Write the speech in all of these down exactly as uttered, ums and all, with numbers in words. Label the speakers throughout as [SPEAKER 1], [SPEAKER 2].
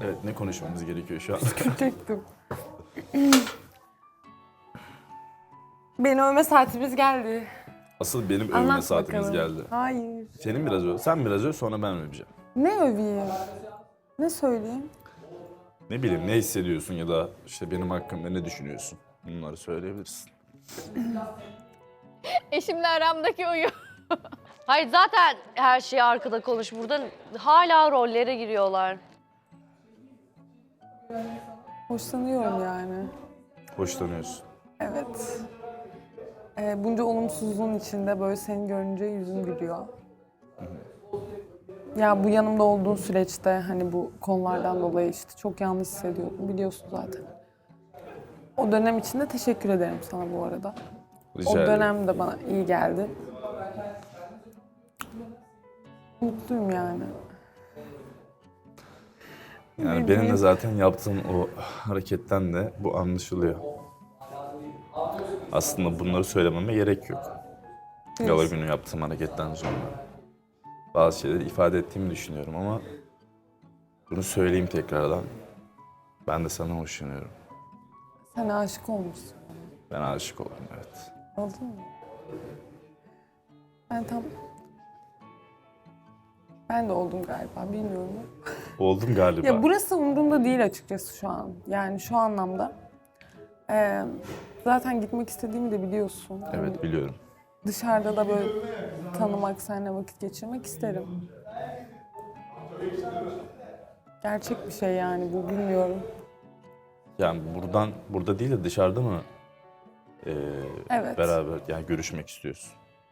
[SPEAKER 1] Evet, ne konuşmamız gerekiyor şu an?
[SPEAKER 2] Küçüktüm. Beni övme saatimiz geldi.
[SPEAKER 1] Asıl benim övme
[SPEAKER 2] Anlat
[SPEAKER 1] saatimiz
[SPEAKER 2] bakalım.
[SPEAKER 1] geldi.
[SPEAKER 2] Hayır.
[SPEAKER 1] Senin biraz öv, sen biraz öv, sonra ben öveceğim.
[SPEAKER 2] Ne öveyim? Ne söyleyeyim?
[SPEAKER 1] Ne bileyim, ne hissediyorsun ya da işte benim hakkımda ne düşünüyorsun? Bunları söyleyebilirsin.
[SPEAKER 3] Eşimle aramdaki uyum. Hayır zaten her şeyi arkada konuş. Burada hala rollere giriyorlar.
[SPEAKER 2] Hoşlanıyorum yani.
[SPEAKER 1] Hoşlanıyorsun.
[SPEAKER 2] Evet. Ee, bunca olumsuzluğun içinde böyle seni görünce yüzüm gülüyor. Ya bu yanımda olduğun süreçte hani bu konulardan dolayı işte çok yalnız hissediyordum biliyorsun zaten. O dönem için de teşekkür ederim sana bu arada.
[SPEAKER 1] Rica
[SPEAKER 2] O
[SPEAKER 1] ederim.
[SPEAKER 2] dönem de bana iyi geldi. Mutluyum yani.
[SPEAKER 1] Yani benim de zaten yaptığım o hareketten de bu anlaşılıyor. Aslında bunları söylememe gerek yok. Gala günü yaptığım hareketten sonra. Bazı şeyleri ifade ettiğimi düşünüyorum ama bunu söyleyeyim tekrardan. Ben de sana hoşlanıyorum.
[SPEAKER 2] Sen aşık olmuşsun.
[SPEAKER 1] Ben aşık oldum, evet.
[SPEAKER 2] Oldun mu? Ben tam... Ben de oldum galiba, bilmiyorum.
[SPEAKER 1] Oldum galiba.
[SPEAKER 2] Ya burası umurumda değil açıkçası şu an. Yani şu anlamda. Ee, zaten gitmek istediğimi de biliyorsun.
[SPEAKER 1] Evet, biliyorum.
[SPEAKER 2] Dışarıda da böyle tanımak, seninle vakit geçirmek isterim. Gerçek bir şey yani bu, bilmiyorum.
[SPEAKER 1] Yani buradan, burada değil de dışarıda mı e,
[SPEAKER 2] Evet.
[SPEAKER 1] beraber yani görüşmek istiyorsun?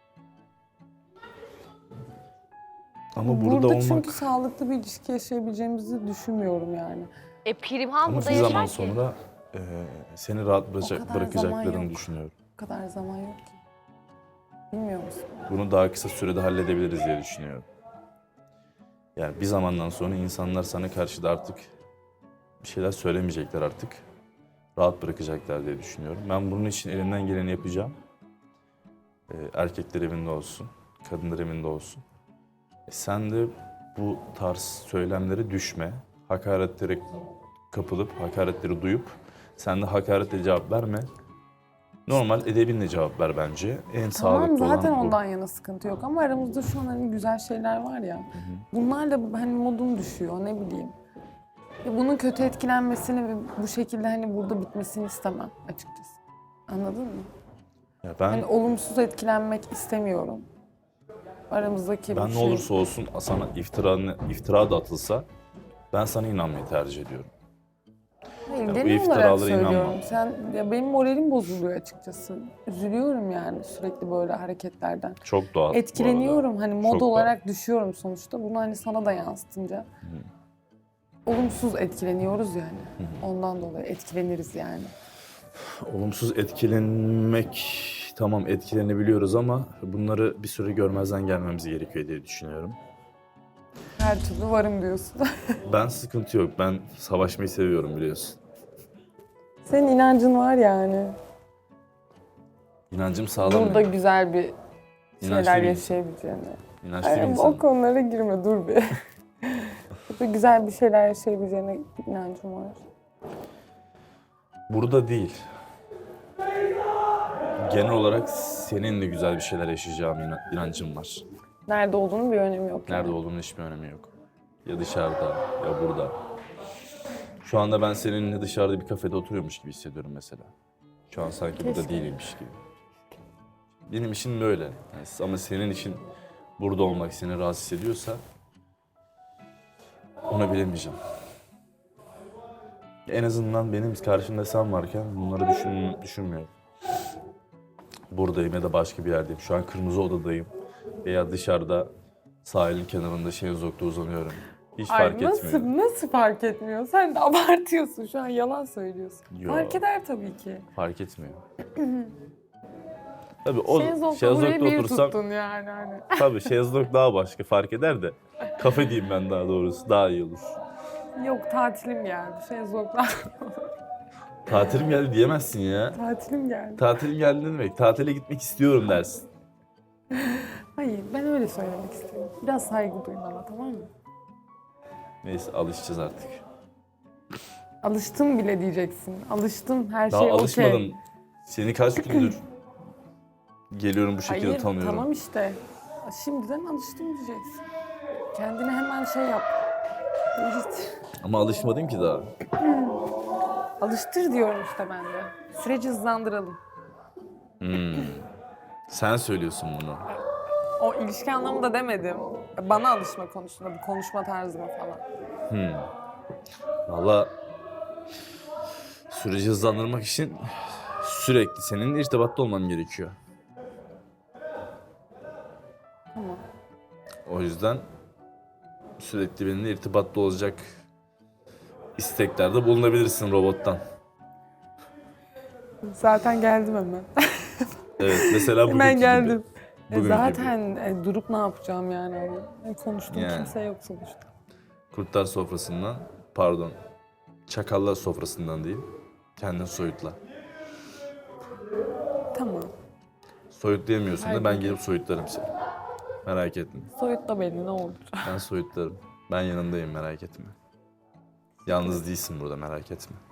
[SPEAKER 1] Ama burada,
[SPEAKER 2] Burada
[SPEAKER 1] olmak...
[SPEAKER 2] çünkü sağlıklı bir ilişki yaşayabileceğimizi düşünmüyorum yani.
[SPEAKER 3] E Pirimhan
[SPEAKER 1] Ama
[SPEAKER 3] burada
[SPEAKER 1] bir
[SPEAKER 3] yaşar
[SPEAKER 1] zaman
[SPEAKER 3] ki.
[SPEAKER 1] sonra e, seni rahat bırakacak,
[SPEAKER 2] kadar zaman
[SPEAKER 1] bırakacaklarını
[SPEAKER 2] yok.
[SPEAKER 1] düşünüyorum.
[SPEAKER 2] O kadar zaman yok ki. Bilmiyor musun?
[SPEAKER 1] Bunu daha kısa sürede halledebiliriz diye düşünüyorum. Yani bir zamandan sonra insanlar sana karşı da artık bir şeyler söylemeyecekler artık. Rahat bırakacaklar diye düşünüyorum. Ben bunun için elimden geleni yapacağım. Ee, erkekler evinde olsun, kadınlar evinde olsun. E sen de bu tarz söylemlere düşme. Hakaretlere kapılıp, hakaretleri duyup sen de hakaretle cevap verme. Normal edebinle cevap ver bence. En
[SPEAKER 2] Tamam
[SPEAKER 1] sağlıklı
[SPEAKER 2] zaten
[SPEAKER 1] olan bu.
[SPEAKER 2] ondan yana sıkıntı yok ama aramızda şu an hani güzel şeyler var ya. Bunlar da hani modum düşüyor ne bileyim. Ya bunun kötü etkilenmesini ve bu şekilde hani burada bitmesini istemem açıkçası. Anladın mı?
[SPEAKER 1] Ya ben
[SPEAKER 2] Hani olumsuz etkilenmek istemiyorum. Aramızdaki
[SPEAKER 1] Ben
[SPEAKER 2] bu
[SPEAKER 1] ne
[SPEAKER 2] şey.
[SPEAKER 1] olursa olsun sana iftira, iftira da atılsa ben sana inanmayı tercih ediyorum.
[SPEAKER 2] Hayır,
[SPEAKER 1] bu
[SPEAKER 2] genel olarak
[SPEAKER 1] iftiralara
[SPEAKER 2] söylüyorum.
[SPEAKER 1] inanmam.
[SPEAKER 2] Sen, ya benim moralim bozuluyor açıkçası. Üzülüyorum yani sürekli böyle hareketlerden.
[SPEAKER 1] Çok doğal. bu
[SPEAKER 2] Etkileniyorum.
[SPEAKER 1] arada.
[SPEAKER 2] Hani mod
[SPEAKER 1] Çok doğal.
[SPEAKER 2] olarak düşüyorum sonuçta. Bunu hani sana da yansıtınca. Olumsuz etkileniyoruz yani. Ondan dolayı etkileniriz yani.
[SPEAKER 1] Olumsuz etkilenmek, tamam etkilenebiliyoruz ama bunları bir süre görmezden gelmemiz gerekiyor diye düşünüyorum.
[SPEAKER 2] Her türlü varım diyorsun.
[SPEAKER 1] Ben sıkıntı yok. Ben savaşmayı seviyorum biliyorsun.
[SPEAKER 2] Senin inancın var yani.
[SPEAKER 1] İnancım sağlam.
[SPEAKER 2] Burada güzel bir
[SPEAKER 1] İnançlı
[SPEAKER 2] şeyler
[SPEAKER 1] bir
[SPEAKER 2] yaşayabileceğini.
[SPEAKER 1] İnançlı bir
[SPEAKER 2] Yani
[SPEAKER 1] insanım.
[SPEAKER 2] o konulara girme, dur bir. Burada güzel bir şeyler yaşayabileceğine inancım var.
[SPEAKER 1] Burada değil. Genel olarak seninle güzel bir şeyler yaşayacağım inan- inancım var.
[SPEAKER 2] Nerede olduğunun bir önemi yok. yani.
[SPEAKER 1] Nerede olduğunun hiçbir önemi yok. Ya dışarıda ya burada. Şu anda ben seninle dışarıda bir kafede oturuyormuş gibi hissediyorum mesela. Şu an sanki burada
[SPEAKER 2] Keşke.
[SPEAKER 1] değilmiş gibi. Benim işim böyle. Yani ama senin işin burada olmak seni rahatsız ediyorsa onu bilemeyeceğim. En azından benim karşımda sen varken bunları düşün, düşünmüyorum. Buradayım ya da başka bir yerdeyim. Şu an kırmızı odadayım. Veya dışarıda sahilin kenarında şezlongda uzanıyorum. Hiç
[SPEAKER 2] Ay,
[SPEAKER 1] fark
[SPEAKER 2] nasıl,
[SPEAKER 1] etmiyor.
[SPEAKER 2] Nasıl fark etmiyor? Sen de abartıyorsun şu an, yalan söylüyorsun.
[SPEAKER 1] Yo.
[SPEAKER 2] Fark eder tabii ki.
[SPEAKER 1] Fark etmiyor. Tabii o
[SPEAKER 2] Şezlongda burayı
[SPEAKER 1] şezlongda
[SPEAKER 2] bir
[SPEAKER 1] otursam
[SPEAKER 2] tuttun yani hani.
[SPEAKER 1] tabii şezlong daha başka fark eder de kafe diyeyim ben daha doğrusu daha iyi olur.
[SPEAKER 2] Yok, tatilim geldi. Şezlonglar.
[SPEAKER 1] Tatilim geldi diyemezsin ya.
[SPEAKER 2] Tatilim geldi.
[SPEAKER 1] Tatilim geldi ne demek? Tatile gitmek istiyorum dersin.
[SPEAKER 2] Hayır, ben öyle söylemek istiyorum. Biraz saygı duy bana, tamam mı?
[SPEAKER 1] Neyse alışacağız artık.
[SPEAKER 2] Alıştım bile diyeceksin. Alıştım, her
[SPEAKER 1] Daha
[SPEAKER 2] şey okey.
[SPEAKER 1] alışmadım. Seni kaç gündür geliyorum bu şekilde
[SPEAKER 2] Hayır,
[SPEAKER 1] tanıyorum.
[SPEAKER 2] tamam işte. Şimdiden alıştım diyeceksin. Kendine hemen şey yap. Değiştir.
[SPEAKER 1] Ama alışmadım ki daha.
[SPEAKER 2] Alıştır diyorum işte ben de. Süreci hızlandıralım.
[SPEAKER 1] Sen söylüyorsun bunu.
[SPEAKER 2] O ilişki anlamında demedim. Bana alışma konusunda, bu konuşma tarzıma falan.
[SPEAKER 1] Valla süreci hızlandırmak için sürekli seninle irtibatta olmam gerekiyor.
[SPEAKER 2] Tamam.
[SPEAKER 1] O yüzden sürekli benimle irtibatta olacak isteklerde bulunabilirsin robottan.
[SPEAKER 2] Zaten geldim hemen.
[SPEAKER 1] Evet, mesela bugünkü
[SPEAKER 2] Hemen
[SPEAKER 1] gibi.
[SPEAKER 2] geldim. E
[SPEAKER 1] Bugünkü
[SPEAKER 2] zaten e, durup ne yapacağım yani? E, konuştuğum
[SPEAKER 1] Yani.
[SPEAKER 2] kimse yok sonuçta.
[SPEAKER 1] Kurtlar sofrasından, pardon, çakallar sofrasından değil, kendin soyutla.
[SPEAKER 2] Tamam.
[SPEAKER 1] Soyutlayamıyorsun da ben
[SPEAKER 2] Hayır.
[SPEAKER 1] gelip soyutlarım seni. Merak etme.
[SPEAKER 2] Soyutla beni ne olur.
[SPEAKER 1] Ben soyutlarım. Ben yanındayım, merak etme. Yalnız değilsin burada, merak etme.